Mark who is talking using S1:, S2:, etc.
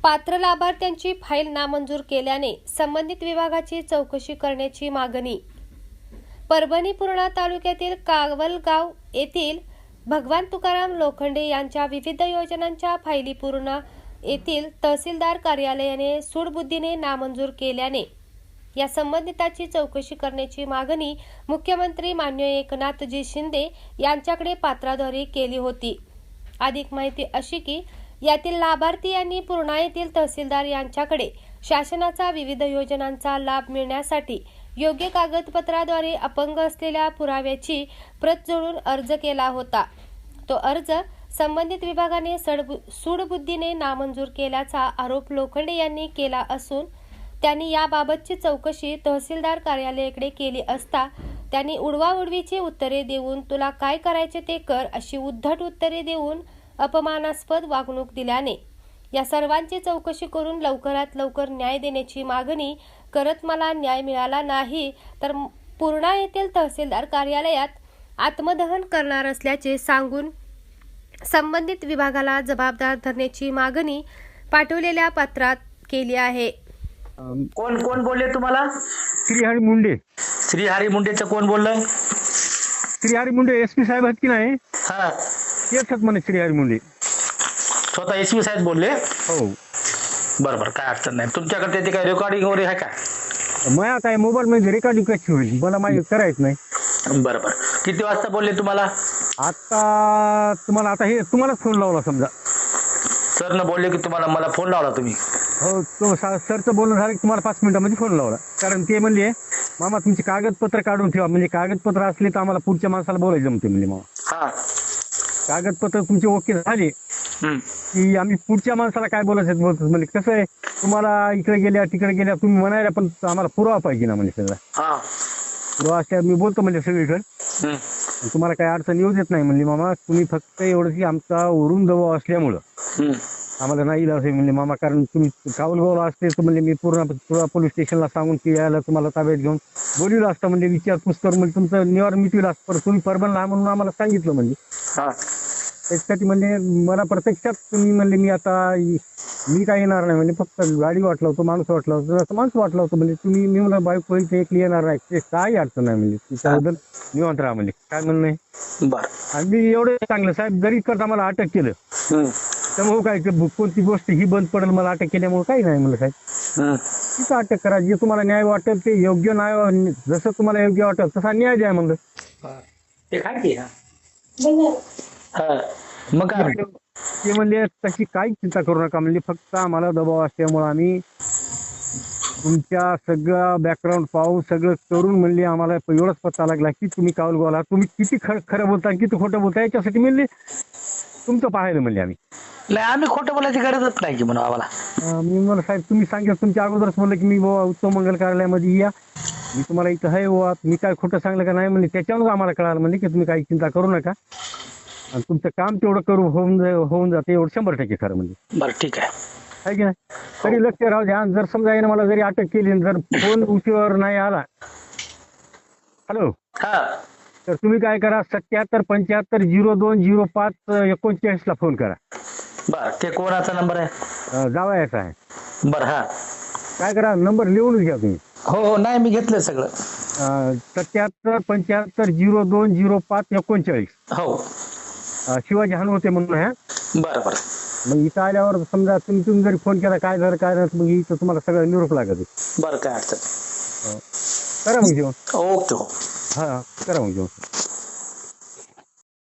S1: पात्र लाभार्थ्यांची फाईल नामंजूर केल्याने संबंधित विभागाची चौकशी करण्याची मागणी. परभणी पूर्णा तालुक्यातील कावलगाव येथील भगवान तुकाराम लोखंडे यांच्या विविध योजनांच्या फाईली पूर्णा येथील तहसीलदार कार्यालयाने सूडबुद्धीने नामंजूर केल्याने या संबंधिताची चौकशी करण्याची मागणी मुख्यमंत्री माननीय एकनाथजी शिंदे यांच्याकडे पत्राद्वारे केली होती. अधिक माहिती अशी की यातील लाभार्थी यांनी पूर्णा येथील तहसीलदार यांच्याकडे शासनाचा विविध योजनांचा लाभ मिळण्यासाठी योग्य कागदपत्राद्वारे अपंग असलेल्या पुराव्याची प्रत जोडून अर्ज केला होता. तो अर्ज संबंधित विभागाने सूडबुद्धीने नामंजूर केल्याचा आरोप लोखंडे यांनी केला असून त्यांनी याबाबतची चौकशी तहसीलदार कार्यालयाकडे केली असता त्यांनी उडवाउडवीची उत्तरे देऊन तुला काय करायचे ते कर अशी उद्धट उत्तरे देऊन अपमानास्पद वागणूक दिल्याने या सर्वांची चौकशी करून लवकरात लवकर न्याय देण्याची मागणी करत मला न्याय मिळाला नाही तर पूर्णा येथील तहसीलदार कार्यालयात आत्मदहन करणार असल्याचे सांगून संबंधित विभागाला जबाबदार धरण्याची मागणी पाठवलेल्या पत्रात केली आहे.
S2: कोण कोण बोलले तुम्हाला?
S3: श्रीहरी मुंडे.
S2: श्रीहरी मुंडेचं कोण बोललंय?
S3: श्रीहरी मुंडे एसपी साहेब आहेत की नाही?
S2: हा,
S3: तेच म्हणे श्रीहरी मुंडे.
S2: स्वतः एसपी साहेब बोलले?
S3: हो.
S2: बरोबर, काय अडचण नाही. तुमच्याकडे त्याची काही रेकॉर्डिंग वगैरे आहे का?
S3: माझ्या काय मोबाईल मध्ये रेकॉर्डिंग कशी होईल मला माहिती करायचं नाही.
S2: बरोबर. किती वाजता बोलले तुम्हाला?
S3: आता तुम्हाला आता हे तुम्हालाच फोन लावला समजा.
S2: सर न बोलले की तुम्हाला मला फोन लावला तुम्ही?
S3: हो, तो सरचं बोलणं झालं की तुम्हाला 5 मिनिटांमध्ये फोन लावला. कारण ते म्हणले मामा तुमची कागदपत्र काढून ठेवा, म्हणजे कागदपत्र असले तर आम्हाला पुढच्या माणसाला बोलायचं जमते म्हणजे. मामा
S2: हा,
S3: कागदपत्र तुमचे ओके झाले की आम्ही पुढच्या माणसाला काय बोलायचं बोलतो. म्हणजे कसं आहे तुम्हाला इकडे गेल्या तिकडे गेल्या तुम्ही म्हणायला पण आम्हाला पुरावा पाहिजे ना म्हणजे सगळा.
S2: हा,
S3: पुरावा असल्या मी बोलतो म्हणजे सगळीकडे तुम्हाला काही अडचण येऊ देत नाही म्हणली. मामा तुम्ही फक्त एवढं की आमचा वरून दबाव असल्यामुळं आम्हाला नाही इलाज आहे म्हणले मामा. कारण तुम्ही कावलगावला असते तर म्हणजे मी पूर्ण पोलीस स्टेशनला सांगून की यायला तुम्हाला ताब्यात घेऊन बोलवलं असतं म्हणजे विचारपूस करून म्हणजे तुमचं निवारण मिटविलं असतं. पण तुम्ही परभणला म्हणून आम्हाला सांगितलं म्हणजे. त्याच्यासाठी म्हणजे मला प्रत्यक्षात तुम्ही म्हणले मी काय येणार नाही म्हणजे फक्त गाडी वाटला होतो माणूस वाटला होतो असं माणूस वाटला होतं म्हणजे तुम्ही मी मला बाईक होईल ते एकली येणार नाही ते काही अडचण नाही म्हणजे त्याच्याबद्दल निवांत राहा म्हणजे काय म्हणणं आहे. आणि मी एवढं चांगलं साहेब जरी करता मला अटक केलं त्यामुळे काय कोणती गोष्ट ही बंद पडेल मला अटक केल्यामुळे काही नाही म्हणलं साहेब. तिथं अटक करा जे तुम्हाला न्याय वाटेल ते योग्य न्याय जसं तुम्हाला योग्य वाटेल तसा न्याय द्या म्हणलं.
S2: ते काय की मग काय
S3: ते म्हणले तशी काहीच चिंता करू नका म्हणजे फक्त आम्हाला दबाव असल्यामुळे आम्ही तुमच्या सगळं बॅकग्राऊंड पाहून सगळं करून म्हणले आम्हाला एवढंच पत्ता लागला की तुम्ही कावलगावला तुम्ही किती खरं बोलता किती खोटं बोलता याच्यासाठी म्हणले तुमचं पाहायला म्हणले आम्ही.
S2: नाही, आम्ही खोटं बोलायची गरजच नाही की म्हणून आम्हाला.
S3: मी मला साहेब तुम्ही सांगितलं तुमच्या अगोदरच म्हणलं की मी उत्तम मंगल कार्यालयामध्ये या मी तुम्हाला इथं आहे वा मी काय खोटं सांगलं का नाही म्हणले. त्याच्यावरच आम्हाला कळालं म्हणजे की तुम्ही काही चिंता करू नका आणि तुमचं काम तेवढं होऊन जाते एवढं 100% खरं म्हणजे.
S2: बरं, ठीक आहे
S3: की नाही. तरी लक्ष राहू द्या. जर समजा याने मला जरी अटक केली जर फोन उशीवर नाही आला हॅलो तर तुम्ही काय करा 77 75 02 05 39 ला फोन करा.
S2: बर, ते कोणाचा नंबर आहे?
S3: जावयाचा आहे.
S2: बर, हा
S3: काय करा नंबर लिहूनच घ्या तुम्ही.
S2: हो, नाही मी घेतलं सगळं.
S3: 77 75 02 05 39.
S2: हो,
S3: शिवाजी हनुमते म्हणून आहे.
S2: बरं बरं.
S3: मग इथं आल्यावर समजा तुम्ही जरी फोन केला काय झालं काय झालं मग इथं तुम्हाला सगळं निरोप लागत.
S2: बरं, काय अडचण.
S3: करा मग जेवण.
S2: ओके.
S3: हा करा मग जेवण.